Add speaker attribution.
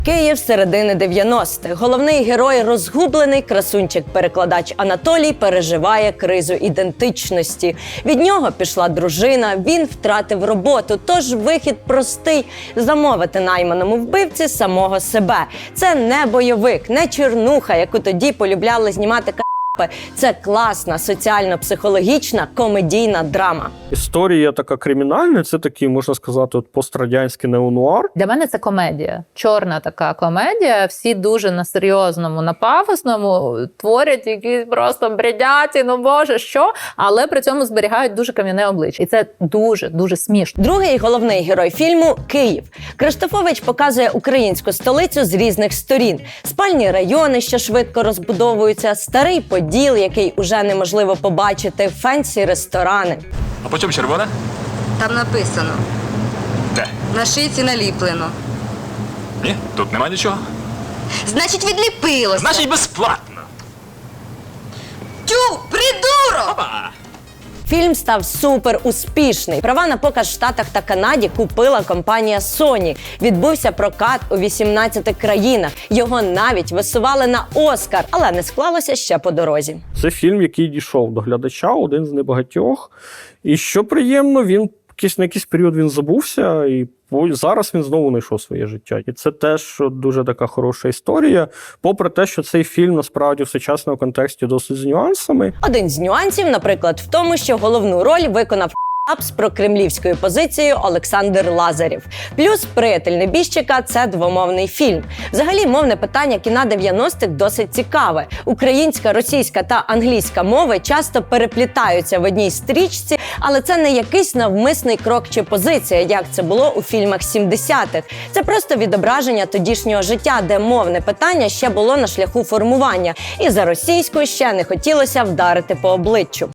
Speaker 1: Київ середини 90-х. Головний герой, розгублений красунчик-перекладач Анатолій, переживає кризу ідентичності. Від нього пішла дружина, він втратив роботу, тож вихід простий – замовити найманому вбивці самого себе. Це не бойовик, не чернуха, яку тоді полюбляли знімати це класна, соціально-психологічна, комедійна драма.
Speaker 2: Історія така кримінальна, це такий, можна сказати, пострадянський неонуар.
Speaker 3: Для мене це комедія. Чорна така комедія. Всі дуже на серйозному, на пафосному творять якісь просто бредяті, ну боже, що? Але при цьому зберігають дуже кам'яне обличчя. І це дуже смішно.
Speaker 1: Другий головний герой фільму – Київ. Криштофович показує українську столицю з різних сторін. Спальні райони, що швидко розбудовуються, старий Поділ, який уже неможливо побачити, фенсі ресторани.
Speaker 4: А по чому червона?
Speaker 5: Там написано.
Speaker 4: Де?
Speaker 5: На шийці наліплено.
Speaker 4: Ні, тут нема нічого.
Speaker 5: Значить, відліпилося.
Speaker 4: Значить, безплатно.
Speaker 5: Тю, придурок!
Speaker 4: Опа!
Speaker 1: Фільм став супер успішний. Права на показ в Штатах та Канаді купила компанія Sony. Відбувся прокат у 18 країнах. Його навіть висували на Оскар, але не склалося ще по дорозі.
Speaker 2: Це фільм, який дійшов до глядача, один з небагатьох. І що приємно, він на якийсь період він забувся, і зараз він знову знайшов своє життя. І це теж дуже така хороша історія, попри те, що цей фільм насправді в сучасному контексті досить з нюансами.
Speaker 1: Один з нюансів, наприклад, в тому, що головну роль виконав з прокремлівською позицією Олександр Лазарєв. Плюс «Приятель небіжчика» – це двомовний фільм. Взагалі, мовне питання кіна 90-х досить цікаве. Українська, російська та англійська мови часто переплітаються в одній стрічці, але це не якийсь навмисний крок чи позиція, як це було у фільмах 70-х. Це просто відображення тодішнього життя, де мовне питання ще було на шляху формування. І за російською ще не хотілося вдарити по обличчю.